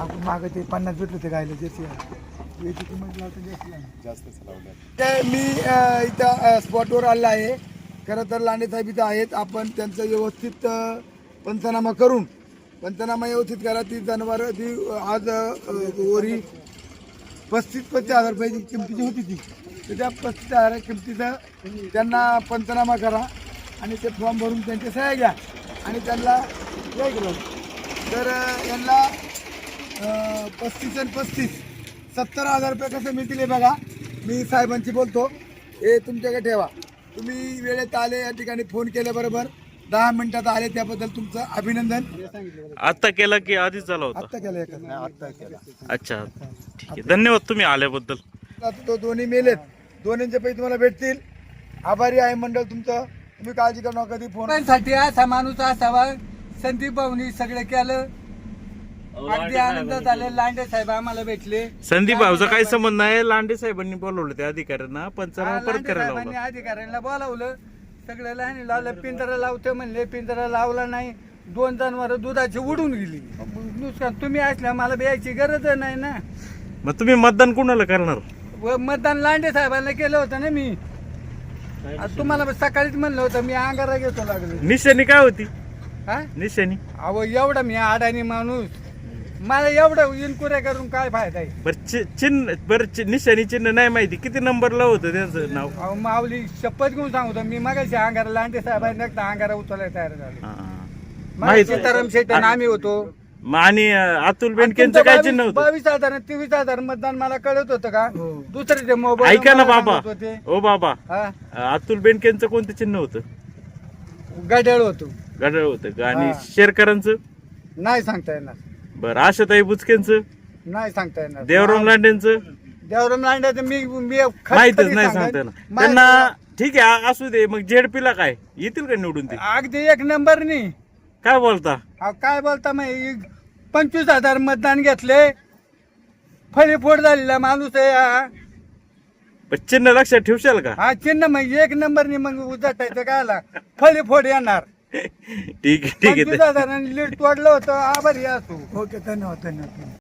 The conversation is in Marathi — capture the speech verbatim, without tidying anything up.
आपण मागं ते पन्नास भेटले होते गायला जर्सी याची किंमत लावता जास्त जास्तच लावल्या. काय मी अ, इथं अ, स्पॉटवर आलेला आहे. खरं तर लांडे साहेब इथं आहेत. आपण त्यांचं व्यवस्थित अ, पंचनामा करून पंचनामा व्यवस्थित करा. ती जनावरं ती अ, आज अ, ओरी पस्तीस पस्तीस हजार रुपयाची किमतीची होती ती. तर त्या पस्तीस हजार किमतीचं त्यांना पंचनामा करा आणि ते फॉर्म भरून त्यांच्या सह्या घ्या आणि त्यांना हे केलं. तर अ, यांना अ, पस्तीस आणि पस्तीस सत्तर हजार रुपये कसं मिळतील हे बघा. मी साहेबांशी बोलतो. हे तुमच्याकडे ठेवा. तुम्ही वेळेत आले, या ठिकाणी फोन केल्याबरोबर दहा मिनिटात आले, त्याबद्दल तुमचं अभिनंदन. आता केला की आधीच झाला होता? आत्ता केलं एका आत्ता केला. अच्छा, ठीक आहे, धन्यवाद तुम्ही आल्याबद्दल. तो दोन्ही मेलेत. दोन्हींचे पैसे तुम्हाला भेटतील. आभारी आहे मंडळ तुमचं. तुम्ही काळजी करू नका. कधी फोन साठी असा माणूस असावा. संदीप भाऊनी सगळं केलं. अगदी आनंदात आले. लांडे साहेब आम्हाला भेटले. संदीप भाऊचा काही संबंध नाही. लांडे साहेबांनी बोलवलं त्या अधिकाऱ्यांना पंचनामा हा, परत लांडे करायला साहेबांनी लावला. अधिकाऱ्यांना बोलावलं. सगळं लहान लावलं. पिंजरा लावते म्हणले, पिंजरा लावला नाही. दोन जनावर दुधाची उडून गेली. नुकसान तुम्ही असल्या मला यायची गरज नाही ना. मग तुम्ही मतदान कुणाला करणार? व मतदान लांडे साहेबांना केलं होतं ना मी. आता तुम्हाला सकाळीच म्हणलं होतं मी अंगारा घेतो लागलो. निशाणी काय होती? हा निशाणी अहो एवढा मी अडाणी माणूस. मला एवढं इन्क्वायरी करून काय फायदा आहे. बर चिन्ह बर निशाणी चिन्ह नाही माहिती. किती नंबरला होतं त्यांचं नाव? अहो माऊली शपथ घेऊन सांगतो मी मगाशी अंगारा लांडे साहेबांनी एकदा अंगारा उचलायला तयार झाले. हा. माहिती माहिती सीताराम शेट्टी आम्ही होतो. मग आणि अं, अतुल बेनकेंचं काय चिन्ह होतं? बावीस हजार तेवीस हजार मतदान मला कळत होतं का? दुसरे ते मोबाईल ऐका ना बाबा, होते ओ बाबा, हा अं, अतुल बेनकेंचं कोणतं चिन्ह होतं? गड्याळ होतो. गडळ होतं आणि हा. शेरकरांचं? नाही सांगता येणार. बरं, आशाताई बुचकेंचं? नाही सांगता येणार. देवराम लांडेंचं? देवराम लांड्याचं मी मी खरं- माहितच खरी नाही सांगेन. सांगता येणार माहित- त्यांना. ठीक आहे, आ- असू दे. मग जेडपीला काय येतील का निवडून ते? अगदी एक नंबर नाही. काय बोलता? अहो, काय बोलता मग पंचवीस हजार मतदान घेतले. फळीफोड झालेला माणूस आहे हा. पण चिन्ह लक्षात ठेवशाल का? हा चिन्ह मग एक नंबर नाही. मग उजाटायचं काय आला फळीफोड येणार. ठीक आहे, ठीक पंचवीस आहे. हजारांनी लीड तोडलं होतं. आभारी असतो. ओके, धन्यवाद धन्यवाद.